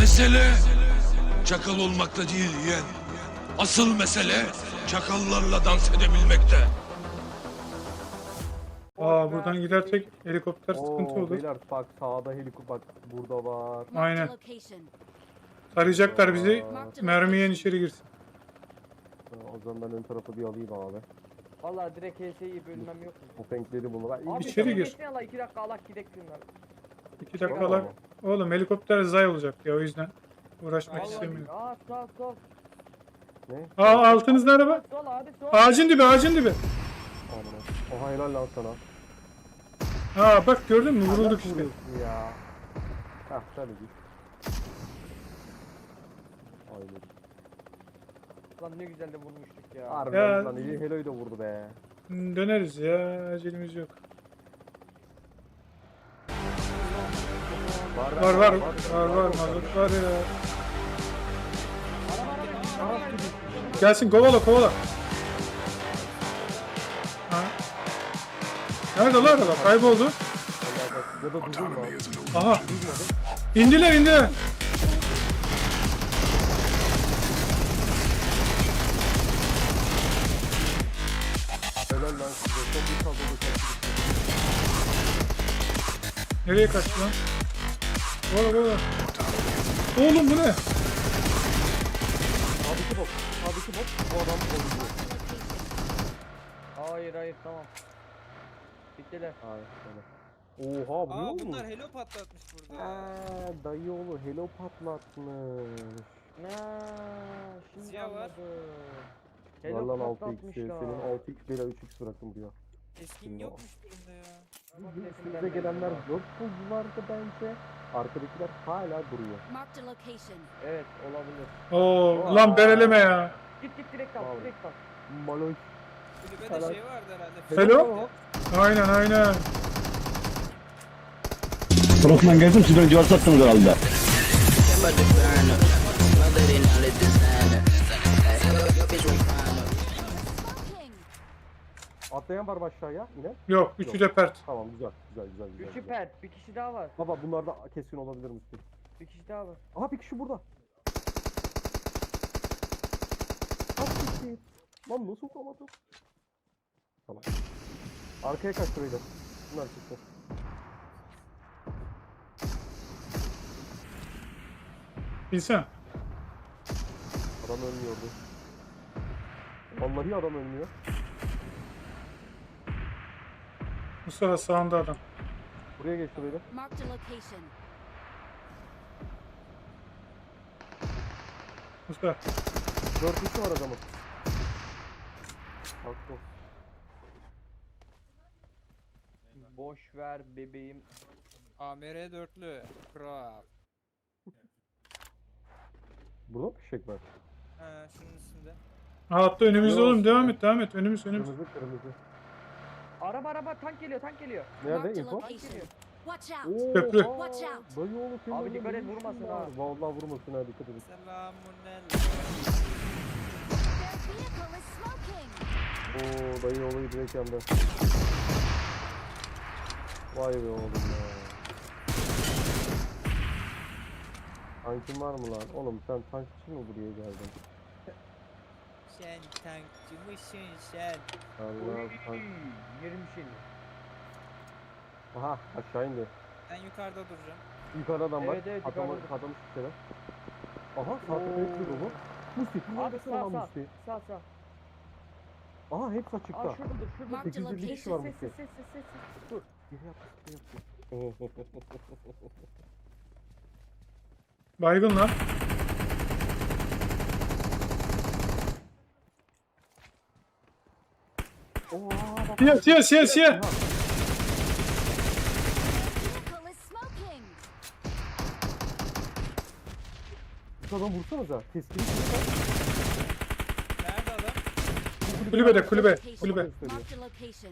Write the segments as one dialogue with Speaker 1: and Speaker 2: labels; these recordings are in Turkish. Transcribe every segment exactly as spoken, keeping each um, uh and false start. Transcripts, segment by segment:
Speaker 1: Mesele çakal olmakta değil yeğen. Asıl mesele çakallarla dans edebilmekte.
Speaker 2: Aa buradan gidersek helikopter sıkıntı
Speaker 3: Oo
Speaker 2: olur.
Speaker 3: beyler bak sağda helikopter bak burada var.
Speaker 2: Aynen. Saracaklar bizi.
Speaker 3: Aa,
Speaker 2: Mermiyen içeri girsin.
Speaker 3: o zaman ben ön tarafı bir alayım abi.
Speaker 4: Valla direkt H S'yi bölmem yok mu?
Speaker 3: Bu penkleri bunu. Ben
Speaker 4: Abi
Speaker 2: İçeri
Speaker 4: sen
Speaker 2: gir.
Speaker 4: geçsene la iki dakika alak gidek şunlar.
Speaker 2: İki dakikalar. Oğlum helikopter zay olacak ya o yüzden. Uğraşmak
Speaker 4: Vallahi
Speaker 2: istemiyorum.
Speaker 4: aa sol sol.
Speaker 3: Ne?
Speaker 2: Aa altınızda araba.
Speaker 4: Sol abi sol.
Speaker 2: Ağacın dibi ağacın dibi.
Speaker 3: Aman. Oha helal lan sana.
Speaker 2: Aa bak gördün mü vurulduk işte.
Speaker 3: Vuruyorsun ya. Hah şöyle git. Aynen.
Speaker 4: Lan ne güzel de vurmuştuk ya.
Speaker 2: Ya-
Speaker 3: Harbiden lan iyi heloyu da vurdu be.
Speaker 2: Hmm, Döneriz ya acelemiz yok. Var var var var mazot var ya. Gelsin kovala kovala. Ha. Nerede lan araba? Kayboldu.
Speaker 3: Ya da durdun mu?
Speaker 2: Aha. İndiler indiler.
Speaker 3: Helal lan size. Çok iyi kaldırdı.
Speaker 2: Nereye kaçtı lan? Kovala kovala. Oğlum bu ne?
Speaker 3: Sağdaki bok. Sağdaki bok. Bu adam oluyor.
Speaker 4: Hayır hayır tamam. Bittiler.
Speaker 3: Hayır şöyle. Oha bu ne
Speaker 5: Aa
Speaker 3: olmuş?
Speaker 5: bunlar helo patlatmış burada.
Speaker 3: Aa, dayıoğlu helo patlatmış.
Speaker 4: Na şimdi
Speaker 5: Siyah var.
Speaker 4: anladım.
Speaker 3: Var
Speaker 4: Hello
Speaker 3: lan altı x
Speaker 4: patlatmışlar.
Speaker 3: senin altı x bile üç x bıraktım buraya.
Speaker 5: Eskin yokmuş durumda ya.
Speaker 3: Üstümüze gelenler dört vardı bence. Arkadakiler hala duruyor.
Speaker 6: Marked a location.
Speaker 4: Evet olabilir.
Speaker 2: Oo lan bereleme ya.
Speaker 4: Git git direkt al
Speaker 3: Vallahi.
Speaker 4: direkt al.
Speaker 3: Maloş.
Speaker 5: Kulübede
Speaker 3: Helal.
Speaker 5: şey vardı herhalde.
Speaker 2: Hello? Aynen aynen.
Speaker 7: Osman geldim sizden cevap sattınız herhalde.
Speaker 6: Smoking.
Speaker 3: Atlayan var mı aşağıya yine?
Speaker 2: Yok üçü de pert.
Speaker 3: Tamam güzel güzel güzel güzel.
Speaker 4: Üçü
Speaker 3: güzel.
Speaker 4: pert. Bir kişi daha var.
Speaker 3: Baba bunlar da kesin olabilir misin?
Speaker 4: Bir kişi daha var.
Speaker 3: Aha bir kişi burada. Kaç kişi? Lan nasıl vuramadım? Tamam. Arkaya kaç burayı da. Bunlar çıktı.
Speaker 2: Bilsem.
Speaker 3: Adam ölmüyordu. Vallahi adam ölmüyor.
Speaker 2: Mustafa sağında adam.
Speaker 3: Buraya geç burayı da.
Speaker 6: Marked a location.
Speaker 2: Mustafa.
Speaker 3: Dört kişi var adamın. Haklı.
Speaker 4: Boş ver bebeğim.
Speaker 5: A M R dörtlü. Kral.
Speaker 3: Burada mı fişek var?
Speaker 5: Ha şunun üstünde.
Speaker 2: Ha, hatta önümüzde
Speaker 3: Yok.
Speaker 2: oğlum devam et devam et önümüz önümüz.
Speaker 3: Kırmızı kırmızı.
Speaker 4: Araba araba tank geliyor tank geliyor.
Speaker 3: Nerede
Speaker 6: Marked a
Speaker 3: info?
Speaker 6: location. Watch out.
Speaker 3: Oo,
Speaker 2: Köprü.
Speaker 6: Watch out.
Speaker 3: Dayı oğlu senin
Speaker 4: Abi
Speaker 3: orada
Speaker 4: dikkat
Speaker 3: ne
Speaker 4: et,
Speaker 3: işin
Speaker 4: vurmasın
Speaker 3: var?
Speaker 4: ha.
Speaker 3: Vallahi vurmasın ha dikkat edin.
Speaker 5: Selamun aleyküm.
Speaker 6: Their vehicle is smoking.
Speaker 3: Oo dayı olayı direkt yandı. Vay be oğlum ya. Tankin var mı lan? Oğlum sen tank için mi buraya geldin?
Speaker 5: Sen tankçı mısın sen?
Speaker 3: Allah tank.
Speaker 4: Yerim şimdi.
Speaker 3: Aha aşağı indi.
Speaker 5: Ben yukarıda duracağım.
Speaker 3: Yukarıda adam var.
Speaker 4: Evet, evet,
Speaker 3: Adamı
Speaker 4: yukarıda.
Speaker 3: kadamış bir şeyler. Aha sağ tepeye kırdı bu. Musti bir
Speaker 4: Abi
Speaker 3: neredesin
Speaker 4: sağ
Speaker 3: lan
Speaker 4: sağ.
Speaker 3: Musti?
Speaker 4: Sağ sağ.
Speaker 3: Aha hepsi açıkta.
Speaker 4: Aa şurada dur şurada.
Speaker 6: Marked a
Speaker 3: Sekiz yüz kişi var
Speaker 6: location.
Speaker 4: Ses
Speaker 3: Musti.
Speaker 4: ses ses ses ses. Dur.
Speaker 3: Geri yap, geri yap.
Speaker 2: Baygın lan.
Speaker 3: Oha bak.
Speaker 2: Siyah siyah siyah siyah.
Speaker 6: Vehicle is smoking.
Speaker 3: Bu adam vursanıza. Teskini
Speaker 5: Nerede adam?
Speaker 2: Kulübede kulübe kulübe.
Speaker 6: Marked a location.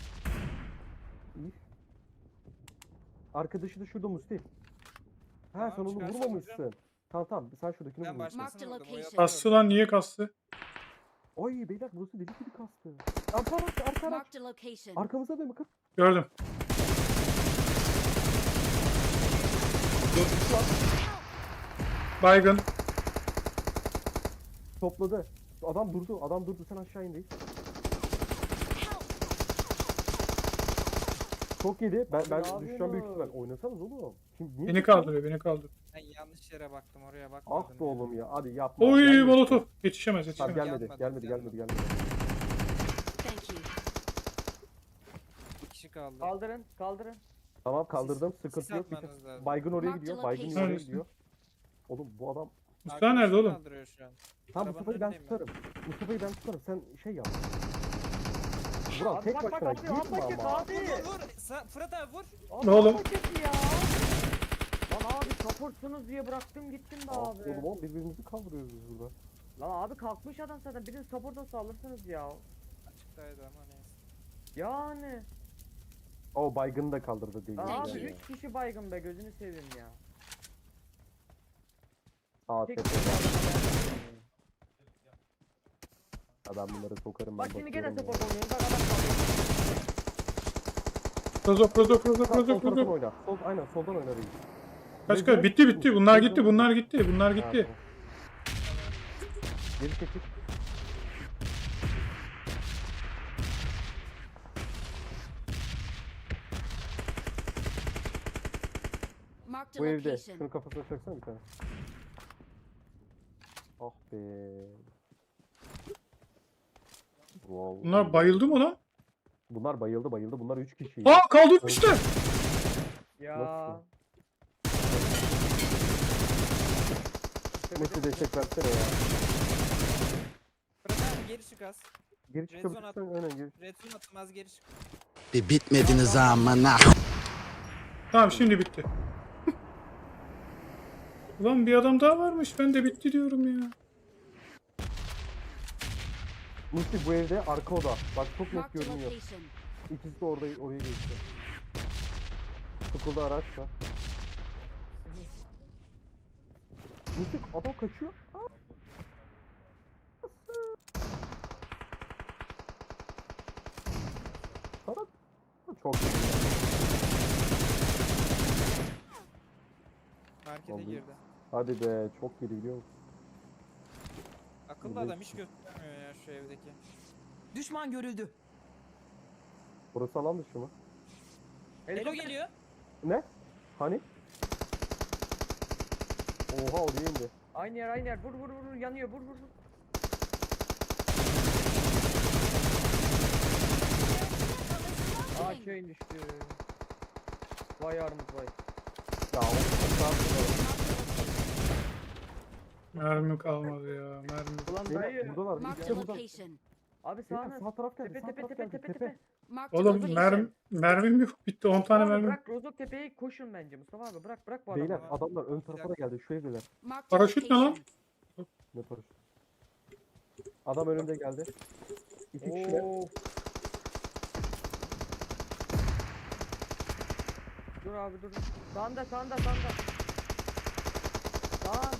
Speaker 3: Arkadaşı da şurada Musti. Ha
Speaker 5: Tamam,
Speaker 3: sen onu
Speaker 5: çıkarsa
Speaker 3: vurmamışsın. Tamam tamam sen şuradakini
Speaker 5: Ben
Speaker 3: vurmuşsun.
Speaker 5: başkasını
Speaker 6: Marked
Speaker 5: vurdum. o
Speaker 6: location.
Speaker 5: yapıyor.
Speaker 2: Kastı lan niye kastı?
Speaker 3: Ay beyler burası deli gibi kastı. Arka araç arka araç.
Speaker 6: Marked a location.
Speaker 3: Arkamızda da mı kız?
Speaker 2: Gördüm. Baygın.
Speaker 3: Topladı. Adam durdu. Adam durdu. Sen aşağı in reis. Çok yedi. Ben ben
Speaker 4: ne
Speaker 3: düşeceğim büyük
Speaker 4: yapıyorsun?
Speaker 3: ihtimal. Oynasanız oğlum. Şimdi niye
Speaker 2: Beni
Speaker 3: çıktın?
Speaker 2: kaldırıyor, beni kaldırıyor.
Speaker 5: Ben yanlış yere baktım, oraya bakmadım.
Speaker 3: Ah be
Speaker 5: ya.
Speaker 3: oğlum ya. Hadi yapma.
Speaker 2: Oy
Speaker 3: Gelmedi.
Speaker 2: molotof. Yetişemez,
Speaker 3: Tamam
Speaker 2: yetişemez.
Speaker 3: gelmedi.
Speaker 5: Gelmedi,
Speaker 3: Gelmedi. Gelmedi.
Speaker 5: gelmedi.
Speaker 3: Gelmedi.
Speaker 6: Thank you.
Speaker 5: Bir kişi kaldı.
Speaker 4: Kaldırın kaldırın.
Speaker 3: Tamam kaldırdım.
Speaker 5: Sis
Speaker 3: Sıkıntı yok.
Speaker 5: atmanız lazım.
Speaker 3: Baygın oraya
Speaker 6: Mark
Speaker 3: gidiyor.
Speaker 6: the
Speaker 3: Baygın
Speaker 6: location.
Speaker 3: oraya
Speaker 2: Neredesin?
Speaker 3: gidiyor. Oğlum bu adam.
Speaker 2: Mustafa nerede
Speaker 5: Arkadaşını
Speaker 2: oğlum?
Speaker 5: kaldırıyor şu an.
Speaker 3: Tamam
Speaker 5: Arabanın
Speaker 3: Mustafa'yı ben
Speaker 5: önündeyim ben.
Speaker 3: tutarım. Mustafa'yı ben tutarım. Sen şey yap. Vural
Speaker 4: Abi
Speaker 3: tek
Speaker 4: bak bak
Speaker 3: başına
Speaker 4: abi
Speaker 3: girme
Speaker 4: apaçık
Speaker 3: ama.
Speaker 4: abi.
Speaker 5: Vur vur. Sa- Fırat abi vur.
Speaker 4: Abi
Speaker 2: Ne oğlum?
Speaker 4: apaçık ya. Lan abi supportsunuz diye bıraktım gittim de
Speaker 3: Ah,
Speaker 4: abi.
Speaker 3: Oğlum oğlum birbirimizi kaldırıyoruz biz burada.
Speaker 4: Lan abi kalkmış adam zaten birini support'a salırsanız ya.
Speaker 5: Açıktaydı ama neyse.
Speaker 4: Yani.
Speaker 3: O baygını da kaldırdı değil.
Speaker 4: Lan
Speaker 6: Thank
Speaker 4: abi
Speaker 6: you.
Speaker 4: üç kişi baygın be gözünü seveyim ya.
Speaker 3: Sağ
Speaker 4: Tek
Speaker 3: tepe.
Speaker 4: kişi adama verdim.
Speaker 3: Adam bunları sokarım ben.
Speaker 4: Bak şimdi gene
Speaker 3: bakıyorum ya.
Speaker 4: support oynuyorum bak adam kaldı.
Speaker 2: Rozok, rozok, rozok,
Speaker 3: Tamam, sol
Speaker 2: rozok,
Speaker 3: taraftan
Speaker 2: rozok.
Speaker 3: oyna. Sol, aynen soldan oyna reis.
Speaker 2: Kaç kaç? Bitti bitti. Bunlar gitti, bunlar gitti, bunlar
Speaker 3: Ha,
Speaker 2: gitti.
Speaker 3: tamam. Geri çekil.
Speaker 6: Marked a
Speaker 3: Bu evde.
Speaker 6: location.
Speaker 3: Şunun kafasına çaksana bir tane. Ah be. Wow.
Speaker 2: Bunlar bayıldı mı lan?
Speaker 3: Bunlar bayıldı bayıldı. Bunlar üç kişi.
Speaker 2: Aa kaldırmışlar.
Speaker 4: Ya.
Speaker 3: Nasıl? Mesut destek versene ya.
Speaker 5: Fırat abi geri çık az.
Speaker 3: Geri
Speaker 5: Red zone
Speaker 3: çıkabilirsen öne geri.
Speaker 5: Red zone atım az geri çık.
Speaker 8: Bir bitmediniz amına.
Speaker 2: Tamam şimdi bitti. Ulan bir adam daha varmış. Ben de bitti diyorum ya.
Speaker 3: Musti bu evde arka oda. Bak çok net
Speaker 6: Marked a
Speaker 3: görünüyor.
Speaker 6: location.
Speaker 3: İkisi de orada oraya geçti. Sıkıldı araç var. Musti adam kaçıyor. Aa! Sana çok iyi.
Speaker 5: Markete
Speaker 3: Vallahi.
Speaker 5: girdi.
Speaker 3: Hadi be çok iyi biliyor musun?
Speaker 5: Akıllı
Speaker 3: Vallahi.
Speaker 5: adam hiç göstermiyor ya şu evdeki.
Speaker 8: Düşman görüldü.
Speaker 3: Burası alan dışı mı?
Speaker 5: Elo geliyor.
Speaker 3: Ne? Hani? Oha oraya indi.
Speaker 4: Aynı yer aynı yer vur vur vur yanıyor vur vur vur. Aa
Speaker 6: Smoking.
Speaker 4: köyün düştü. Vay armut vay.
Speaker 3: Ya o
Speaker 2: Mermi kalmadı ya. Mermi.
Speaker 4: Ulan
Speaker 3: Beyler
Speaker 4: dayı.
Speaker 3: burada var.
Speaker 6: Marked
Speaker 3: İşte
Speaker 6: a
Speaker 3: burada.
Speaker 6: location.
Speaker 4: Abi
Speaker 3: Beyler,
Speaker 4: sağına.
Speaker 3: sağ taraf geldi.
Speaker 4: Tepe
Speaker 3: Sağ
Speaker 4: tepe
Speaker 3: taraf
Speaker 4: tepe
Speaker 3: geldi.
Speaker 4: tepe
Speaker 3: Tepe.
Speaker 4: tepe.
Speaker 6: Marked a
Speaker 2: Oğlum
Speaker 6: location.
Speaker 2: mermi, mermim yok. Bitti. on tane
Speaker 4: Mustafa abi
Speaker 2: mermim.
Speaker 4: bırak Rozok Tepe'yi koşun bence Mustafa abi bırak bırak bu adamı.
Speaker 3: Beyler
Speaker 5: adamı.
Speaker 3: adamlar ön tarafa da geldi. Şu evdeler.
Speaker 6: Marked a
Speaker 2: Paraşüt ne lan?
Speaker 6: location.
Speaker 3: Ne paraşüt? Adam önünde geldi. İki kişiler.
Speaker 4: Oo. Dur abi dur. Sağında sağında sağında. Sağ.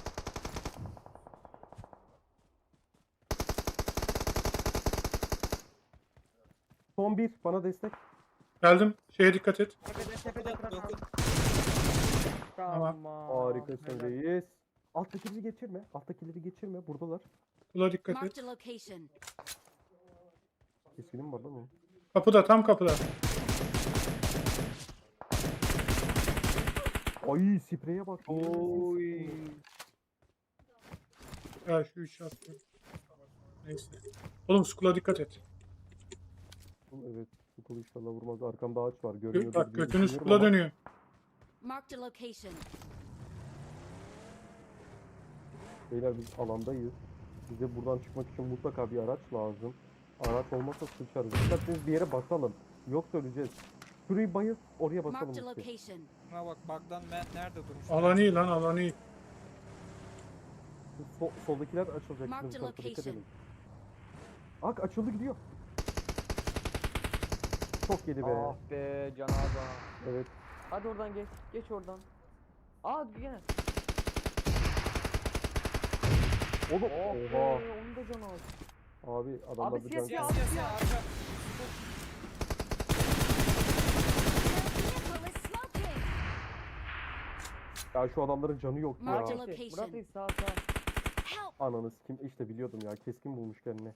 Speaker 3: Son bir. Bana destek.
Speaker 2: Geldim. Şeye dikkat et.
Speaker 4: Tepede tepede
Speaker 5: Dokun,
Speaker 4: Fırat abi.
Speaker 5: dokun.
Speaker 4: Tamam.
Speaker 3: Harikasın
Speaker 4: helal.
Speaker 3: reis. Alttakileri geçirme. Alttakileri geçirme. Buradalar.
Speaker 2: Kula dikkat et.
Speaker 6: Marked a location.
Speaker 3: Keskinim var lan o.
Speaker 2: Kapıda, tam kapıda.
Speaker 3: Ay spreye bak.
Speaker 4: Oy.
Speaker 2: Ya şu üç attı. Neyse. Oğlum skula dikkat et.
Speaker 3: Evet. Bu kolu inşallah vurmaz. Arkamda ağaç var.
Speaker 2: Gö-
Speaker 3: Görünüyor.
Speaker 2: Bak götünü skula dönüyor.
Speaker 6: Marked a location.
Speaker 3: Beyler biz alandayız. Bize buradan çıkmak için mutlaka bir araç lazım. Araç olmazsa sıçarız. Dikkatiniz bir yere basalım. Yoksa öleceğiz. Şurayı bayıl. Oraya basalım.
Speaker 6: Marked a
Speaker 3: işte.
Speaker 6: location.
Speaker 5: Buna bak bug'dan ben nerede durmuş?
Speaker 2: Alan iyi lan, alan iyi.
Speaker 3: Sol, soldakiler açılacak.
Speaker 6: Mark
Speaker 3: Bizim
Speaker 6: the
Speaker 3: tarafa dikkat
Speaker 6: location.
Speaker 3: edin. Ak açıldı gidiyor. Çok yedi be.
Speaker 4: Ah be canaza.
Speaker 3: Evet.
Speaker 4: Hadi oradan geç. Geç oradan. Aa gene.
Speaker 3: Oğlum.
Speaker 4: Oh be
Speaker 3: Oha.
Speaker 4: onun da canı az.
Speaker 3: Abi adamlar
Speaker 4: Abi
Speaker 3: bir
Speaker 4: siyah
Speaker 3: can.
Speaker 5: Siyah siyah siyah arka.
Speaker 6: Their vehicle is smoking.
Speaker 3: Ya şu adamların canı yok
Speaker 6: Marked a
Speaker 3: ya.
Speaker 6: location.
Speaker 4: Murat Reis sağ sağ.
Speaker 6: Help!
Speaker 3: Ananı kim işte biliyordum ya. Keskin bulmuş kendine.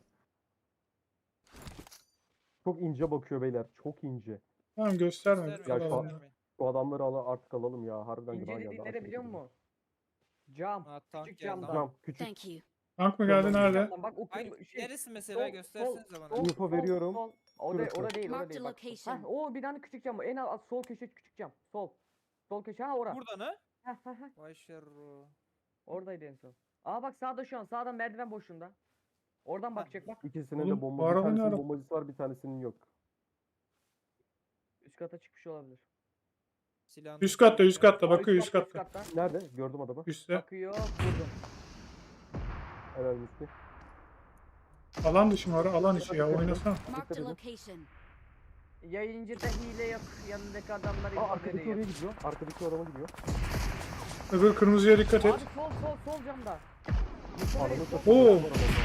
Speaker 3: Çok ince bakıyor beyler. Çok ince.
Speaker 2: Tamam gösterme.
Speaker 5: Göstermeyin,
Speaker 3: Ya şu an-
Speaker 5: göstermeyin.
Speaker 3: Bu adamları al artık alalım ya. Harbiden
Speaker 4: İnce
Speaker 3: günah
Speaker 4: dediğin
Speaker 3: geldi.
Speaker 4: nere
Speaker 3: aşırı
Speaker 4: biliyor
Speaker 3: kötü.
Speaker 4: musun? Cam.
Speaker 5: Ha, tank
Speaker 4: Küçük
Speaker 5: geldi.
Speaker 4: camdan.
Speaker 3: Tamam küçük.
Speaker 6: Thank you.
Speaker 2: Tank mı geldi nerede?
Speaker 4: Camdan bak o
Speaker 5: Hayır,
Speaker 4: kırmızı şey.
Speaker 5: neresi mesela
Speaker 4: sol,
Speaker 5: göstersenize bana.
Speaker 4: sol,
Speaker 3: Info
Speaker 4: sol,
Speaker 3: veriyorum.
Speaker 4: Sol. O da
Speaker 3: Şurası.
Speaker 4: orada değil, orada
Speaker 6: Marked
Speaker 4: değil bak.
Speaker 6: location.
Speaker 4: Heh, o bir tane küçük cam. En alt sol köşe küçük cam. Sol. Sol köşe ha ora.
Speaker 5: Burada ne?
Speaker 4: Heh, heh, heh.
Speaker 5: Vay şerro.
Speaker 4: Oradaydı en son. Aa bak sağda şu an. Sağda merdiven boşluğunda. Oradan bakacak bak.
Speaker 3: İkisinin
Speaker 2: Oğlum,
Speaker 3: de bomba.
Speaker 2: bu
Speaker 3: Bir
Speaker 2: araba ne
Speaker 3: tanesinin
Speaker 2: araba?
Speaker 3: bombacısı var, bir tanesinin yok.
Speaker 4: Üst kata çıkmış olabilir.
Speaker 5: Silahını
Speaker 2: Üst katta üst katta
Speaker 4: Aa,
Speaker 2: bakıyor üst katta.
Speaker 4: kattan.
Speaker 3: Nerede? Gördüm adamı.
Speaker 2: Üstte.
Speaker 4: Bakıyor. Vurdum.
Speaker 3: Helal misli.
Speaker 2: Alan dışı mı ara? Alan içi ya oynasana.
Speaker 6: Marked a
Speaker 3: edin.
Speaker 6: location.
Speaker 4: Yayıncıda hile yok. Yanındaki adamlar
Speaker 3: Aa
Speaker 4: info
Speaker 3: arkadaki
Speaker 4: veriyor.
Speaker 3: oraya gidiyor. Arkadaki adama gidiyor.
Speaker 2: Öbür kırmızıya dikkat et.
Speaker 4: Abi sol sol sol camda.
Speaker 3: Adamı
Speaker 4: Yukarı, sol,
Speaker 3: satıyor.
Speaker 2: Oo.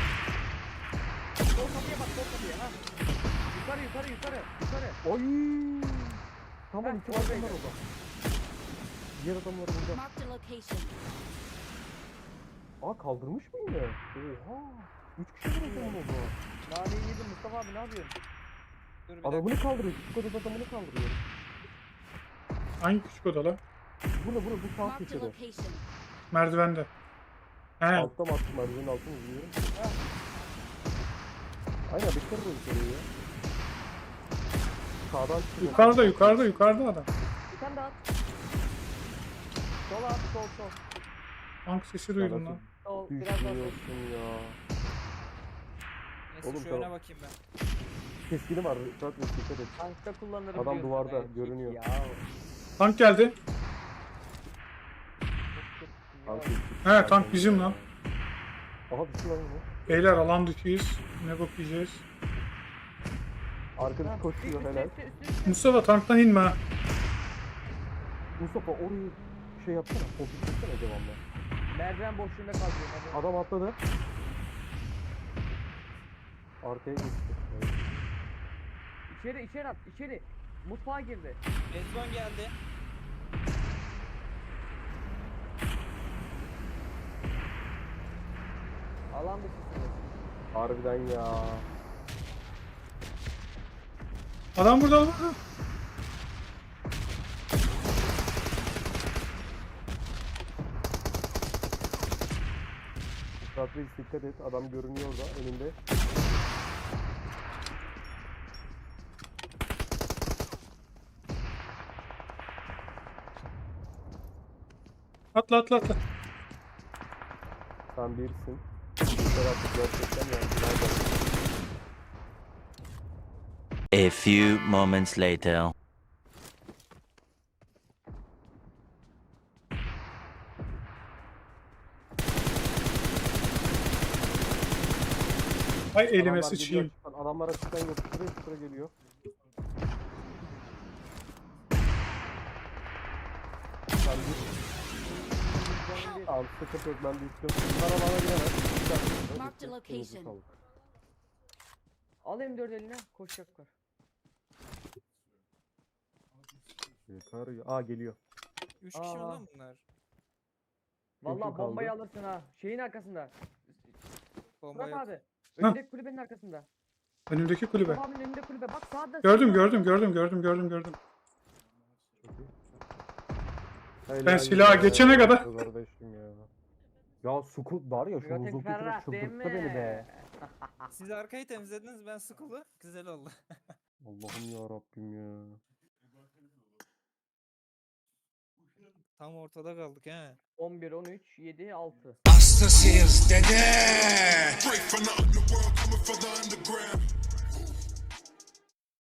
Speaker 4: sol kapıya bak sol kapıya ha. Yukarı yukarı yukarı yukarı.
Speaker 3: Oy. Tamam
Speaker 4: Heh,
Speaker 3: iki var
Speaker 4: oradaydı.
Speaker 3: var orada. Diğer adamlar burada.
Speaker 6: Marked a location.
Speaker 3: Aa kaldırmış mı yine? Oha. Üç kişi mi o oldu?
Speaker 4: Naneyi yedim Mustafa abi ne yapıyorsun?
Speaker 5: Dur bir dakika.
Speaker 3: Adamını kaldırıyor. Küçük odada adamını kaldırıyor.
Speaker 2: Hangi küçük oda lan?
Speaker 3: Burada burada bu sağ
Speaker 6: Marked a
Speaker 3: köşede.
Speaker 6: location.
Speaker 2: Merdivende. He.
Speaker 3: Altta mı attım merdivenin altını mı bilmiyorum. Aynen bekler de yukarıyı ya. Sağdan çıkıyor.
Speaker 2: Yukarıda yukarıda yukarıda adam.
Speaker 4: Bir tane daha at. Sol at sol sol.
Speaker 2: Tank sesi duydum lan.
Speaker 4: Sol biraz daha sol.
Speaker 3: Düşüyorsun ya.
Speaker 5: Neyse
Speaker 3: Oğlum,
Speaker 5: şu
Speaker 3: tamam.
Speaker 5: öne bakayım ben.
Speaker 3: Keskini var. Dikkat et. Dikkat et.
Speaker 4: Tankta kullanırım
Speaker 3: Adam
Speaker 4: diyorsun.
Speaker 3: duvarda,
Speaker 4: Erkek
Speaker 3: görünüyor.
Speaker 4: Ya.
Speaker 2: Tank geldi.
Speaker 3: Tank
Speaker 2: He tank bizim lan.
Speaker 3: Aha bizim lan bu.
Speaker 2: Beyler alan dışıyız. Ne bok yiyeceğiz.
Speaker 3: Arkadaş koşuyor helal.
Speaker 2: Mustafa tanktan inme ha.
Speaker 3: Mustafa orayı şey yapsana. Fokus etsene devamlı.
Speaker 4: Merdiven boşluğunda kalıyor. Hadi.
Speaker 3: Adam atladı. Arkaya geçti. Evet.
Speaker 4: İçeri içeri at içeri. Mutfağa girdi.
Speaker 5: Mezban geldi.
Speaker 4: Alan dışısınız.
Speaker 3: Harbiden ya.
Speaker 2: Adam burada adam burada.
Speaker 3: Ratreis dikkat et. Adam görünüyor orada önünde.
Speaker 2: Atla atla atla.
Speaker 3: Sen birsin. Yeter artık gerçekten yani. Nerede?
Speaker 9: A few moments later.
Speaker 2: Ay elime
Speaker 3: Adamlar
Speaker 2: sıçayım.
Speaker 3: geliyor, açıktan. Adamlar açıktan yapıştırıyor, yapıştıra geliyor. Ben bir... Tamam sıkıntı yok ben de istiyorum. Bunlar alana giremez. Bir dakika.
Speaker 6: Marked a
Speaker 3: Elinize
Speaker 6: location.
Speaker 3: sağlık.
Speaker 4: Al M dört eline koşacaklar.
Speaker 3: Yeter ya. Aa geliyor.
Speaker 5: Üç kişi mi
Speaker 4: Aa.
Speaker 5: lan bunlar?
Speaker 4: Vallahi
Speaker 3: kaldı?
Speaker 4: bombayı alırsın ha. Şeyin arkasında.
Speaker 5: Bomba
Speaker 4: Murat
Speaker 5: yok.
Speaker 4: abi. Önündeki kulübenin arkasında.
Speaker 2: Önümdeki kulübe.
Speaker 4: Mustafa abinin önünde kulübe. Bak sağda.
Speaker 2: Gördüm
Speaker 4: sağda.
Speaker 2: gördüm gördüm gördüm gördüm gördüm.
Speaker 3: Helal
Speaker 2: silaha
Speaker 3: ya,
Speaker 2: geçene kadar-
Speaker 3: Kardeşim ya. Ya sukut var ya şu
Speaker 4: Götek
Speaker 3: buzul
Speaker 4: ferrah
Speaker 3: tutunu
Speaker 4: değil
Speaker 3: çıldırttı
Speaker 4: mi?
Speaker 3: beni be.
Speaker 5: Siz arkayı temizlediniz, ben sıkıldı. Güzel oldu.
Speaker 3: Allah'ım ya Rabbim ya.
Speaker 5: Tam ortada kaldık he.
Speaker 4: on bir, on üç, yedi, altı.
Speaker 1: Hastasıyız dede.